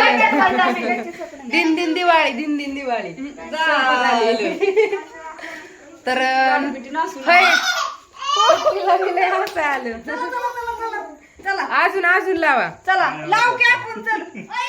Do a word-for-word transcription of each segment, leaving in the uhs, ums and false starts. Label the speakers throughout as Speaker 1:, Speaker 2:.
Speaker 1: दिन दिन दिवाळी दिन दिन दिवाळी तर आलं अजून अजून लावा
Speaker 2: चला लाव की आपण चल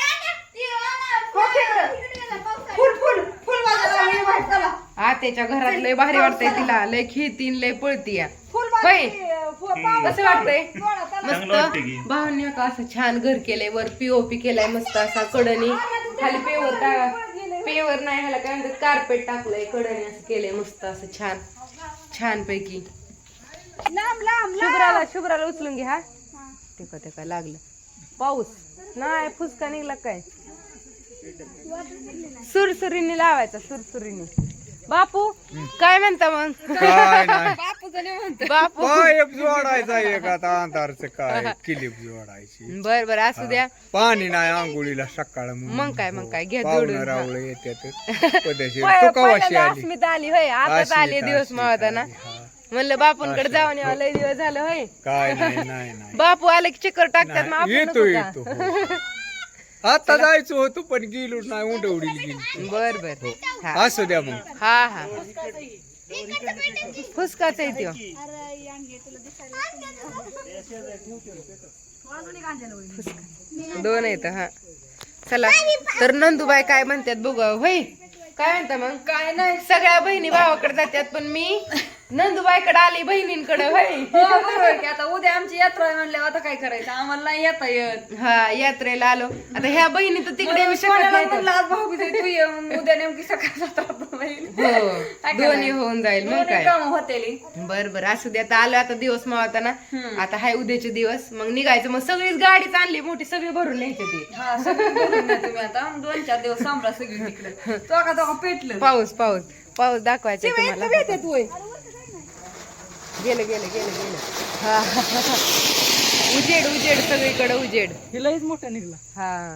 Speaker 2: फुल फुल फुल वाजवा चला
Speaker 1: आत्याच्या घरात लय भारी वाटतंय तिला लय खेळतीन लय पळती या होय कसं वाटतंय मस्त भावनी का असं छान घर केलंय वर पीओपी केलाय मस्त असा कडणी खाली पेवर पेवर नाही ह्याला काय म्हणतात कार्पेट टाकलंय कडणी असं केलंय मस्त असं छान छान पैकी
Speaker 2: लांब लांब
Speaker 1: शुभ्राला शुभ्राला उचलून घे हा ते ते काय लागलं पाऊस नाही फुसका निघला काय सुरसुरीने लावायचा सुरसुरीने बापू काय म्हणता मग
Speaker 3: काय नाही
Speaker 2: बापूचं नाही म्हणतो
Speaker 1: बापू
Speaker 3: पाईप जोडायचा एक आता अंधारचं काय क्लिप जोडायची
Speaker 1: बर बर असू द्या
Speaker 3: पाणी नाही आंघोळीला सकाळ
Speaker 1: मग काय मग काय घ्या
Speaker 3: पाहुणं
Speaker 1: जोडून
Speaker 3: रावळे येतात पदेशीर तू कवाशी आली
Speaker 1: अस्मिता आली होय आताच
Speaker 3: अस्मिता,
Speaker 1: आले दिवस
Speaker 3: अस्मिता
Speaker 1: मावताना
Speaker 3: आली, हा.
Speaker 1: म्हणलं बापूंकडे जाऊन यावं लय दिवस झालं होय
Speaker 3: काय नाही नाही नाही
Speaker 1: बापू आले की चक्कर टाकतात मग आपण
Speaker 3: येतो
Speaker 1: नको
Speaker 3: येतो
Speaker 1: का?
Speaker 3: हो. आता जायचं होतं पण गेलो नाही उंडवडीला गेली
Speaker 1: बर बर हा
Speaker 3: असू द्या मग
Speaker 1: हा हा फुसकाच आहे त्यो दोन आहेत हा चला तर नंदूबाई काय म्हणतात बघू होय काय म्हणता मग
Speaker 2: काय नाही
Speaker 1: सगळ्या बहिणी भावाकडे जातात पण मी नंदूबाईकडे आली बहिणींकडे होय
Speaker 2: हो, बरोबर की आता उद्या आमची यात्रा आहे म्हणल्यावर आता काय करायचं आम्हाला नाही येता येत
Speaker 1: हा यात्रेला आलो आता ह्या बहिणी तर तिकडे येऊ शकत
Speaker 2: सोन्याला
Speaker 1: नाही
Speaker 2: म्हणलं आज भाऊ बिजे तू ये मग उद्या नेमकी सकाळ जातात बहीण.
Speaker 1: हो
Speaker 2: काय
Speaker 1: दोन्ही
Speaker 2: करायचं?
Speaker 1: होऊन जाईल मग
Speaker 2: दोन्ही
Speaker 1: काय
Speaker 2: कामं होतेली
Speaker 1: बर बर असू दे आता आलो आता दिवस मावताना आता हाय उद्याचे दिवस मग निघायचं मग सगळीच गाडीच आणली मोठी सगळी भरून न्यायची ती
Speaker 2: हा सगळं बोलून द्या तुम्ही आता दोन चार दिवस सांभाळा सगळी तिकडे तो का तो पेटलं
Speaker 1: पाऊस पाऊस पाऊस दाखवायचा तुम्हाला
Speaker 2: येतात होय
Speaker 1: गेलं गेलं गेलं गेलं हा उजेड उजेड सगळीकडे उजेड
Speaker 2: हिलाच मोठा निघला
Speaker 1: हा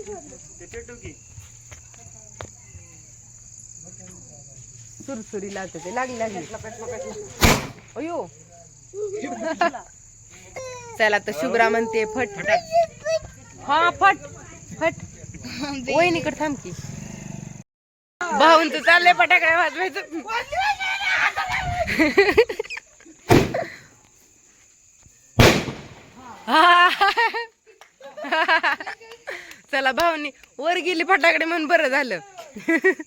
Speaker 1: सुरसुरी लागते ते लागली लागली अयो चला तर शुभ्रा म्हणते फट हा फट फट वहिनीकडे थांब की भाऊन तर चाललंय फटाकडे वाजवायचं चला भाऊनी वर गेली फटाकडे म्हणून बरं झालं